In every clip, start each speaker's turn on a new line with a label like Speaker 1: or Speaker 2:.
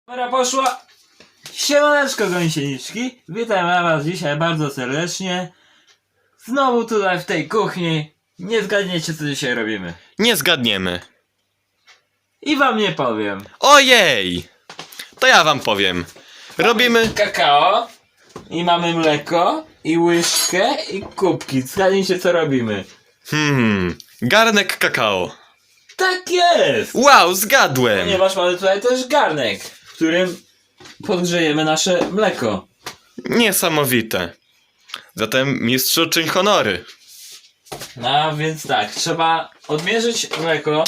Speaker 1: Pora poszła! Siemaneczko gąsieniczki! Witam was dzisiaj bardzo serdecznie. Znowu tutaj w tej kuchni. Nie zgadniecie co dzisiaj robimy.
Speaker 2: Nie zgadniemy.
Speaker 1: I wam nie powiem.
Speaker 2: Ojej! To ja wam powiem. Robimy...
Speaker 1: Kakao. I mamy mleko. I łyżkę. I kubki. Zgadnijcie co robimy.
Speaker 2: Garnek kakao.
Speaker 1: Tak jest!
Speaker 2: Wow, zgadłem!
Speaker 1: Ponieważ mamy tutaj też garnek, w którym podgrzejemy nasze mleko.
Speaker 2: Niesamowite. Zatem mistrzu czyń honory.
Speaker 1: No więc tak, trzeba odmierzyć mleko.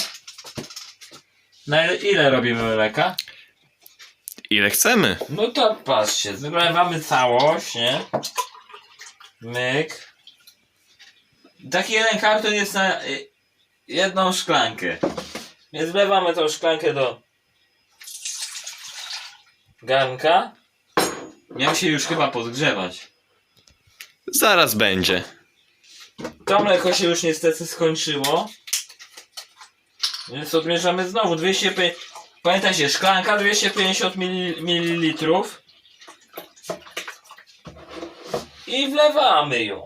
Speaker 1: Na ile robimy mleka?
Speaker 2: Ile chcemy?
Speaker 1: No to patrzcie, wylewamy całość, nie? Myk. Taki jeden karton jest na jedną szklankę. Więc wlewamy tą szklankę do garnka. Miał się już chyba podgrzewać.
Speaker 2: Zaraz będzie.
Speaker 1: To mleko się już niestety skończyło. Więc odmierzamy znowu 250. Pamiętajcie, szklanka 250 ml. I wlewamy ją.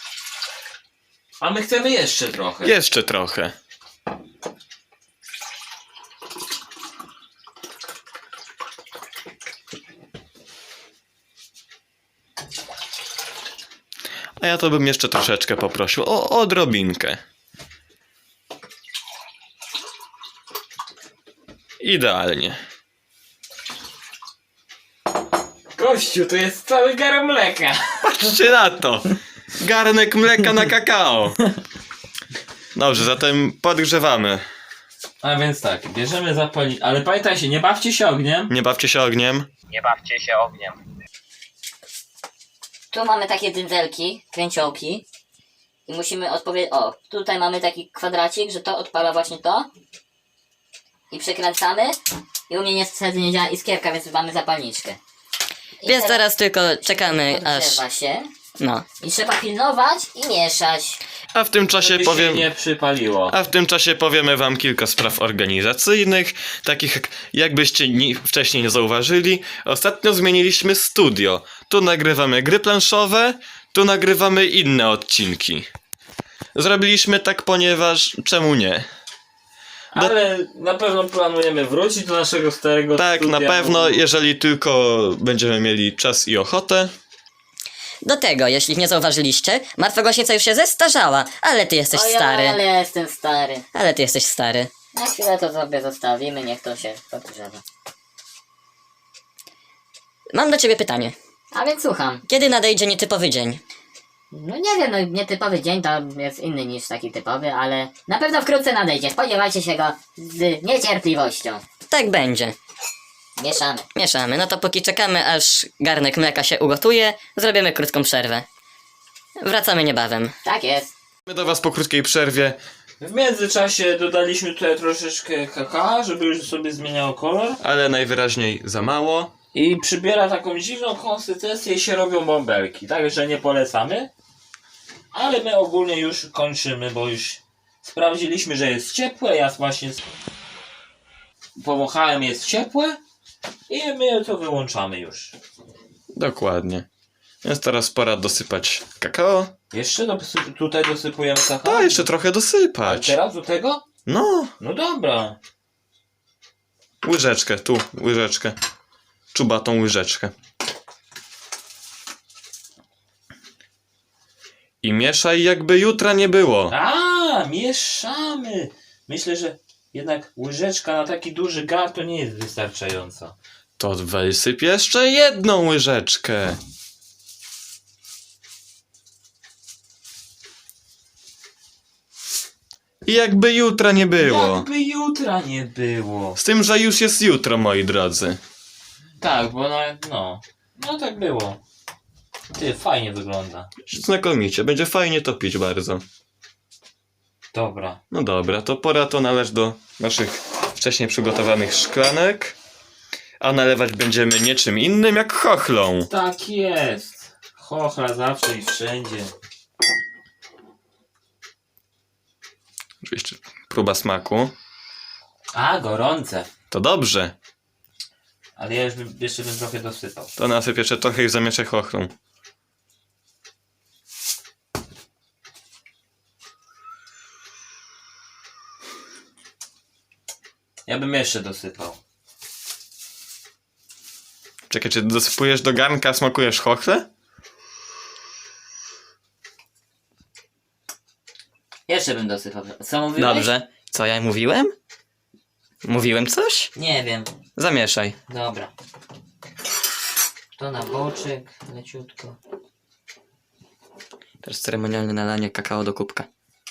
Speaker 1: A my chcemy jeszcze trochę.
Speaker 2: Jeszcze trochę. A ja to bym jeszcze troszeczkę poprosił o odrobinkę. Idealnie.
Speaker 1: Gościu, to jest cały gar mleka.
Speaker 2: Patrzcie na to! Garnek mleka na kakao. Dobrze, zatem podgrzewamy.
Speaker 1: A więc tak, bierzemy zapalić. Ale pamiętajcie, nie bawcie się ogniem.
Speaker 2: Nie bawcie się ogniem.
Speaker 3: Nie bawcie się ogniem. Tu mamy takie dyndelki, kręciołki. I musimy odpowiedzieć. O, tutaj mamy taki kwadracik, że to odpala właśnie to. I przekręcamy. I u mnie niestety nie działa iskierka, więc mamy zapalniczkę. I
Speaker 4: Więc teraz tylko czekamy aż...
Speaker 3: podgrzewa się.
Speaker 4: No.
Speaker 3: I trzeba pilnować i mieszać.
Speaker 2: A w tym czasie
Speaker 1: Żeby
Speaker 2: powiem...
Speaker 1: się nie przypaliło.
Speaker 2: A w tym czasie powiemy wam kilka spraw organizacyjnych, takich jakbyście wcześniej nie zauważyli. Ostatnio zmieniliśmy studio. Tu nagrywamy gry planszowe, tu nagrywamy inne odcinki. Zrobiliśmy tak, ponieważ czemu nie?
Speaker 1: Ale na pewno planujemy wrócić do naszego starego
Speaker 2: Tak,
Speaker 1: studia.
Speaker 2: na pewno, jeżeli tylko będziemy mieli czas i ochotę.
Speaker 4: Do tego, jeśli nie zauważyliście, Martwa Gąsienica już się zestarzała, ale ty jesteś stary.
Speaker 3: Ale ja jestem stary.
Speaker 4: Ale ty jesteś stary.
Speaker 3: Na chwilę to sobie zostawimy, niech to się podgrzewa.
Speaker 4: Mam do ciebie pytanie.
Speaker 3: A więc słucham.
Speaker 4: Kiedy nadejdzie nietypowy dzień?
Speaker 3: No nie wiem, no nietypowy dzień to jest inny niż taki typowy, ale na pewno wkrótce nadejdzie. Spodziewajcie się go z niecierpliwością.
Speaker 4: Tak będzie.
Speaker 3: Mieszamy.
Speaker 4: Mieszamy. No to póki czekamy, aż garnek mleka się ugotuje, zrobimy krótką przerwę. Wracamy niebawem.
Speaker 3: Tak jest.
Speaker 2: My do was po krótkiej przerwie.
Speaker 1: W międzyczasie dodaliśmy tutaj troszeczkę kakao, żeby już sobie zmieniało kolor.
Speaker 2: Ale najwyraźniej za mało.
Speaker 1: I przybiera taką dziwną konsystencję i się robią bąbelki. Także nie polecamy. Ale my ogólnie już kończymy, bo już sprawdziliśmy, że jest ciepłe. Ja właśnie powąchałem, jest ciepłe. I my to wyłączamy już.
Speaker 2: Dokładnie. Więc teraz pora dosypać kakao.
Speaker 1: Jeszcze tutaj dosypujemy kakao?
Speaker 2: A, jeszcze trochę
Speaker 1: Ale
Speaker 2: dosypać.
Speaker 1: teraz do tego?
Speaker 2: No,
Speaker 1: No dobra.
Speaker 2: łyżeczkę, tu, łyżeczkę. Czubatą łyżeczkę. I mieszaj, jakby jutra nie było.
Speaker 1: A, mieszamy. Myślę, że jednak łyżeczka na taki duży gar to nie jest wystarczająca.
Speaker 2: To wysyp jeszcze jedną łyżeczkę. I jakby jutra nie było.
Speaker 1: Jakby jutra nie było.
Speaker 2: Z tym, że już jest jutro, moi drodzy.
Speaker 1: Tak, bo no tak było. Ty, fajnie wygląda.
Speaker 2: Znakomicie, będzie fajnie to pić bardzo.
Speaker 1: Dobra.
Speaker 2: No dobra, to pora to nalać do naszych wcześniej przygotowanych szklanek. A nalewać będziemy niczym innym jak chochlą.
Speaker 1: Tak jest. Chochla zawsze i wszędzie.
Speaker 2: Oczywiście próba smaku.
Speaker 1: A, gorące.
Speaker 2: To dobrze.
Speaker 1: Ale ja jeszcze bym trochę dosypał.
Speaker 2: To nasyp jeszcze trochę i zamieszaj chochlą.
Speaker 1: Ja bym jeszcze dosypał.
Speaker 2: Czekaj, czy dosypujesz do garnka, a smakujesz chochlę?
Speaker 3: Jeszcze bym dosypał. Co mówiłeś?
Speaker 4: Dobrze. Co ja mówiłem? Mówiłem coś?
Speaker 3: Nie wiem.
Speaker 4: Zamieszaj.
Speaker 3: Dobra. To na boczek, leciutko.
Speaker 4: Teraz ceremonialne nalanie kakao do kubka.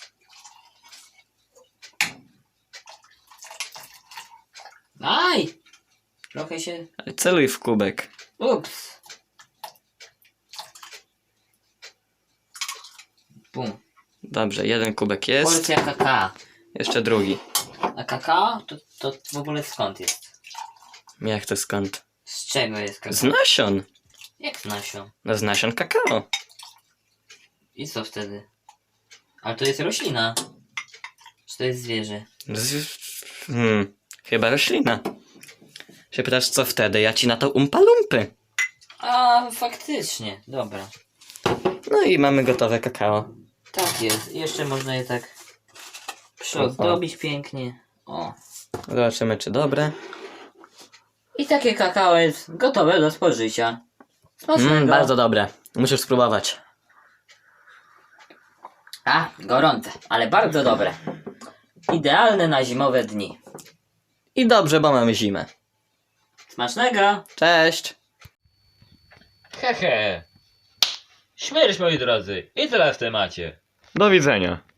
Speaker 3: Aj! Trochę się...
Speaker 4: Ale celuj w kubek.
Speaker 3: Ups. Bum.
Speaker 4: Dobrze, jeden kubek jest.
Speaker 3: Porcja kakao.
Speaker 4: Jeszcze drugi.
Speaker 3: A kakao? To w ogóle skąd jest?
Speaker 4: Jak to skąd?
Speaker 3: Z czego jest kakao?
Speaker 4: Z nasion.
Speaker 3: Jak z nasion?
Speaker 4: No z nasion kakao.
Speaker 3: I co wtedy? Ale to jest roślina. Czy to jest zwierzę?
Speaker 4: Chyba roślina. Się pytasz co wtedy? Ja ci na to umpa-lumpy.
Speaker 3: A, faktycznie. Dobra.
Speaker 4: No i mamy gotowe kakao.
Speaker 3: Tak jest. Jeszcze można je tak przyozdobić pięknie. O.
Speaker 4: Zobaczymy czy dobre.
Speaker 3: I takie kakao jest gotowe do spożycia. Smacznego.
Speaker 4: Bardzo dobre. Musisz spróbować.
Speaker 3: A, gorące, ale bardzo dobre. Idealne na zimowe dni.
Speaker 4: I dobrze, bo mamy zimę.
Speaker 3: Smacznego!
Speaker 4: Cześć!
Speaker 1: Hehe. Śmierć, moi drodzy. I tyle w temacie.
Speaker 2: Do widzenia.